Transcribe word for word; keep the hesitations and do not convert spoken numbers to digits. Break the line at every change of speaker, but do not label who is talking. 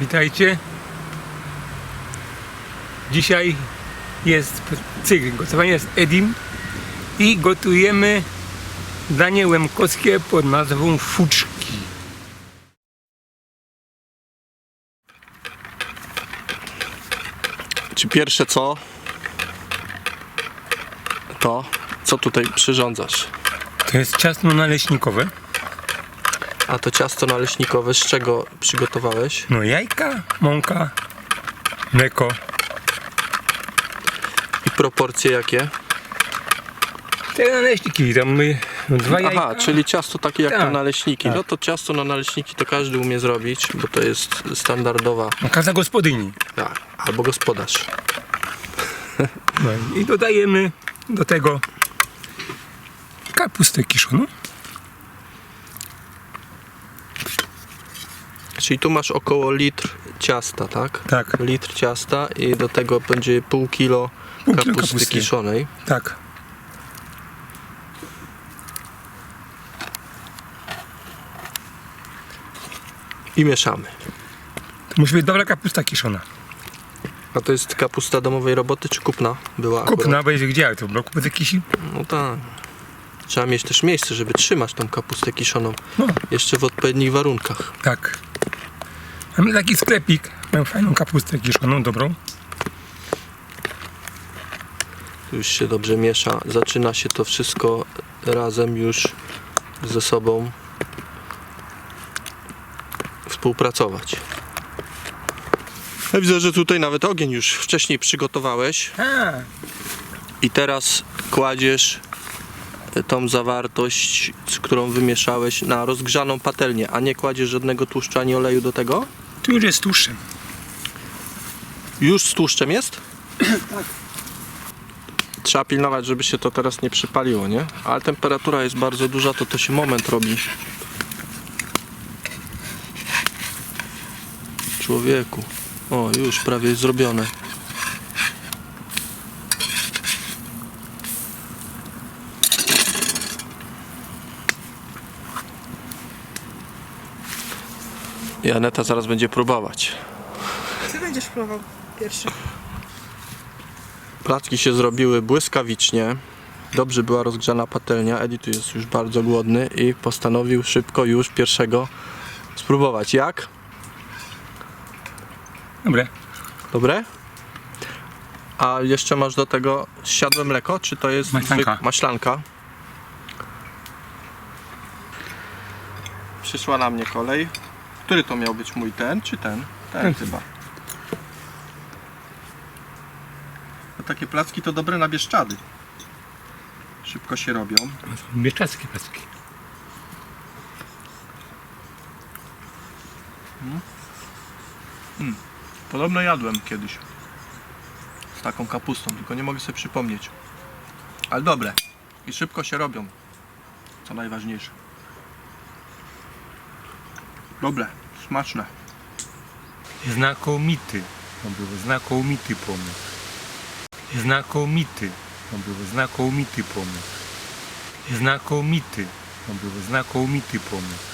Witajcie. Dzisiaj jest cykl gotowania z Edim i gotujemy danie łemkowskie pod nazwą fuczki.
Czy pierwsze co? To, co tutaj przyrządzasz?
To jest ciasto naleśnikowe.
A to ciasto naleśnikowe z czego przygotowałeś?
No jajka, mąka, mleko.
I proporcje jakie?
Te naleśniki, tam my, no, dwa jajka.
Aha, czyli ciasto takie jak
Tak,
na naleśniki.
tak.
No to ciasto na naleśniki to każdy umie zrobić, bo to jest standardowa,
No, każda gospodyni.
tak, albo gospodarz.
No, i dodajemy do tego kapustę kiszoną.
Czyli tu masz około litr ciasta, tak?
Tak.
Litr ciasta i do tego będzie pół kilo
Pół kilo
kapusty,
kapusty.
kiszonej.
Tak.
I mieszamy.
To musi być dobra kapusta kiszona.
A to jest kapusta domowej roboty czy kupna była?
Kupna,
akurat?
bo jest gdzie? To było kupy kisi.
No tak. Trzeba mieć też miejsce, żeby trzymać tą kapustę kiszoną.
No,
Jeszcze w odpowiednich warunkach.
tak. Mamy taki sklepik, mają fajną kapustę kiszoną, dobrą.
Tu już się dobrze miesza. Zaczyna się to wszystko razem już ze sobą współpracować. Ja widzę, że tutaj nawet ogień już wcześniej przygotowałeś.
A,
I teraz kładziesz tą zawartość, z którą wymieszałeś, na rozgrzaną patelnię, a nie kładziesz żadnego tłuszczu ani oleju do tego?
tu już jest tłuszczem.
Już z tłuszczem jest? Tak. Trzeba pilnować, żeby się to teraz nie przypaliło, nie? Ale temperatura jest bardzo duża, to to się moment robi. Człowieku. O, już prawie zrobione. I Aneta zaraz będzie próbować.
Ty będziesz próbował pierwszy.
Placki się zrobiły błyskawicznie. Dobrze była rozgrzana patelnia. Edi tu jest już bardzo głodny i postanowił szybko już pierwszego spróbować. Jak?
Dobre.
Dobre? A jeszcze masz do tego zsiadłe mleko? Czy to jest
Maślanka.
zwyk- maślanka? Przyszła na mnie kolej. Który to miał być mój ten, czy ten? Ten
Ten.
chyba. No takie placki to dobre na Bieszczady. Szybko się robią.
Bieszczadzkie placki.
Podobno jadłem kiedyś z taką kapustą, tylko nie mogę sobie przypomnieć. Ale dobre. I szybko się robią. Co najważniejsze. Dobre, smaczne.
Znakomity. To był znakomity pomysł. Znakomity. To był znakomity pomysł. Znakomity. To był znakomity pomysł.